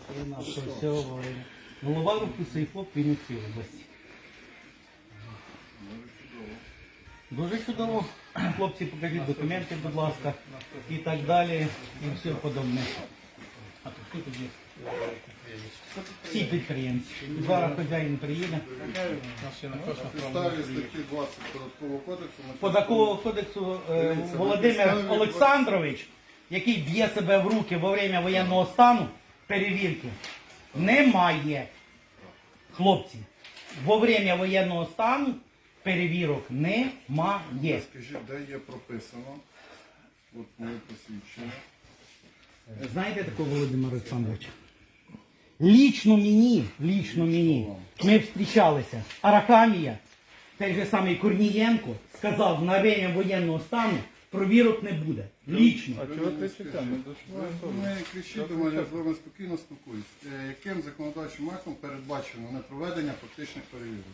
Голова руху Сейфоп Вінницької області. Дуже чудово. Хлопці, покажіть документи, будь ласка, і так далі, і все подобне. А тут хто тут є? Всі підприємці. Зараз хазяїн приїде. Підставі статті 20 Податкового кодексу. Податкового кодексу Володимир Олександрович, який б'є себе в руки во время воєнного стану, перевірки немає. Хлопці, во время воєнного стану перевірок немає. Скажіть, де є прописано? От моє посвідчення. Знаєте такого Володимира Олександровича? Лічно мені, ми зустрічалися. Арахамія, той же самий Корнієнко, сказав, на время воєнного стану провірок не буде. Лічно. А чого ти читаєш? Не кричіть до мене, я з вами спокійно спілкуюсь. Яким законодавчим актом передбачено непроведення фактичних перевірок?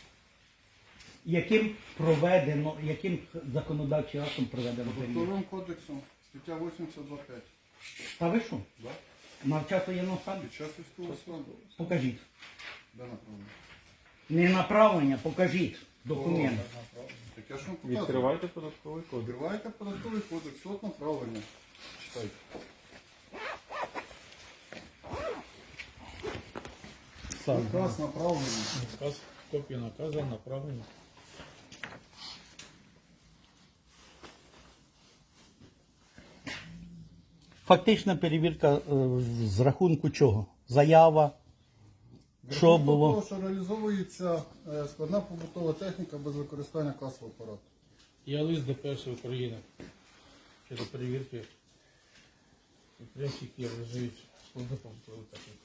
Яким законодавчим актом проведено перевірку? Податковим кодексом, стаття 82.5. Та ви що? Да? На час воєнного стану? Під час військового стану. Покажіть. Де направлено? Не направлення, покажіть документ. Так я ж вам показую. Відкривайте податковий кодекс. Відкривайте податковий кодекс, от направлення. Читайте. Наказ направлення. Наказ, копія наказу направлена. Фактична перевірка з рахунку чого? Заява. Що було? Того, що реалізовується складна побутова техніка без використання касового апарату. Я лист ДПС України щодо перевірки підприємств, які реалізують складну побутову техніку.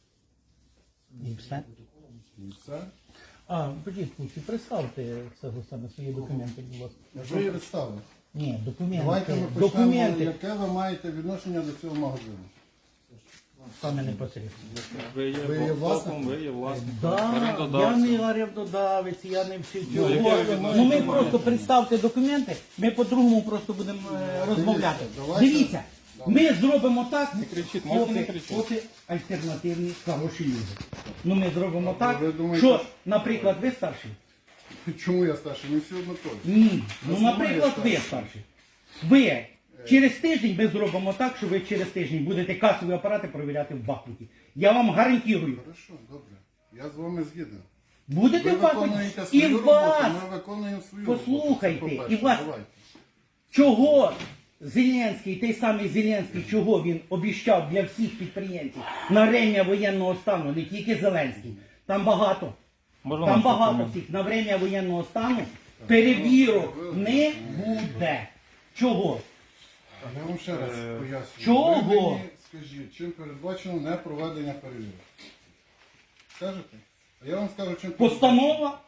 І все. І все. Подіть, представте саме свої документи, будь ласка. Я ж вам представив. Ні, Давайте ми документи. почнемо, Документи. яке ви маєте відношення до цього магазину. Саме непосередньо. Ви є Ви є власником, ви є власником. Да, я не орендодавець, я не всі цього. яке ви Ну ми просто представте документи, ми по-другому просто будемо розмовляти. давайте. Дивіться, ми зробимо так, Не кричіть, можете не кричати. поки альтернативні хороші люди. Ну ми зробимо так, ви думаєте, що, наприклад, ви старший? Чому я старший? Ми всі однакові. Ні. Ну, Основна наприклад, є ви старший. старший. Ви через тиждень ми зробимо так, що ви через тиждень будете касові апарати перевіряти в Бахмуті. Я вам гарантую. Хорошо, добре. Я з вами згіден. Будете Ви в Бахмуті. виконуєте І свою роботу, вас. ми виконуємо свою Послухайте, роботу. Це і по-перше. вас. Давайте. Чого Зеленський, той самий Зеленський, чого він обіщав для всіх підприємців на время воєнного стану, не тільки Зеленський, там багато. Можна Там вам багато документ? всіх. На время воєнного стану перевірок не буде. Чого? Я вам ще раз пояснюю. Чого? Ви мені скажіть, чим передбачено непроведення перевірок? Скажете? А я вам скажу, чим Постанова?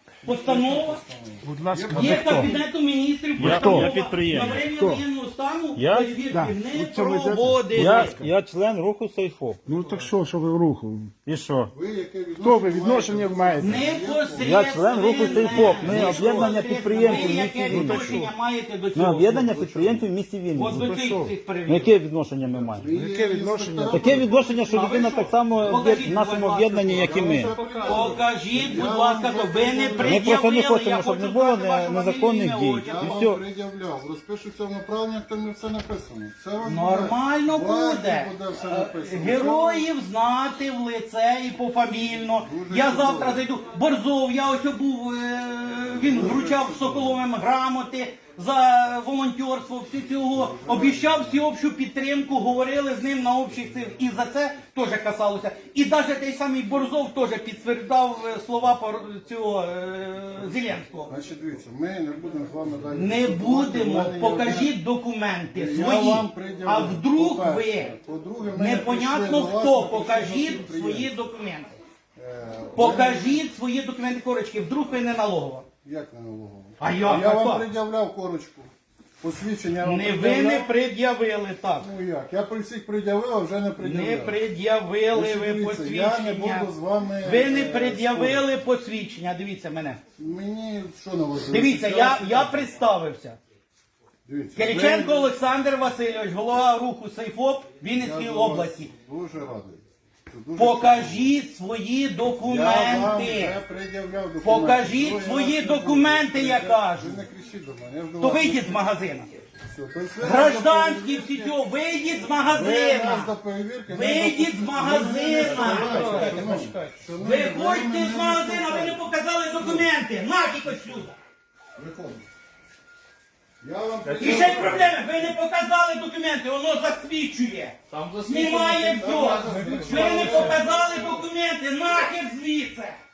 Будь ласка, Є Кабінету міністрів постанова. Я підприємець. На время воєнного стану Я? перевірки не проводить. Я член руху Сейфоп. Ну так що ви в руху? І що? Ви яке відношення? Хто ви відношення маєте? Непосередньо. Я член руху Сейфоп. Ми об'єднання підприємців Ви в яке місті Вінниці. відношення маєте до Ми цього? об'єднання підприємців в місті От Вінниці. до цих Ну, перевірок. яке відношення ми маємо? Яке відношення? Таке відношення, що людина так само Покажіть, в нашому будь ласка, об'єднанні, як і ми. Покажіть, будь ласка, то ви не Ми пред'явили. просто не хочемо, Я щоб хочу не було знати ваше незаконних фамілію, дій. ім'я, Я І вам все. пред'являв. Розпишуться в направленнях, там все написано. Це вам Нормально буде. все написано. Героїв знати в лице і пофамільно. Дуже Я чудово. завтра зайду. Борзов, я ось був, він вручав Соколовим грамоти за волонтерство, всі цього. Обіщав всеобщу підтримку, говорили з ним на общих цих. І за це теж касалося. І навіть той самий Борзов теж підтвердав слова цього Зеленського. Значить, дивіться, ми не будемо з вами далі. Не дискутувати. будемо, У мене є покажіть документи Я свої. вам пред'явив. А вдруг ви, По-перше. По-друге, ми непонятно прийшли до вас, хто, ми прийшли покажіть до свої підприємців. документи. Ми- Покажіть свої документи, корочки, вдруг ви не налогова. Як не налогово? А як? Я А вам як? пред'являв корочку. Посвідчення я вам Не ви пред'являв. не пред'явили так. Ну як? Я при всіх пред'явив, а вже не пред'являв. Не пред'явили Значить, ви дивіться, Я не посвідчення. буду з вами... Ви не спорити. пред'явили посвідчення, дивіться мене. Мені що на вас? Дивіться, я представився. Дивіться, Кириченко ви- Олександр Васильович, голова руху Сейфоп Вінницької Я до вас області. Дуже радий. дуже Покажіть свої Я вам документи. вже пред'являв документи. Покажіть Другий свої раз не буду. документи, я кажу. Ви не кричіть до мене. Я ж до То вас вийдіть не з магазину. кричу. То есть ви Гражданські нас до всі цього, вийдіть з Ви нас магазина. до перевірки. Вийдіть з магазина. Шановні, Виходьте з магазина, ви не показали документи. Нафіг отсюда. Виходьте. Я вам І ще й проблеми, ви не показали документи, воно засвідчує. Знімає все. Ви не показали документи, нахер звідси.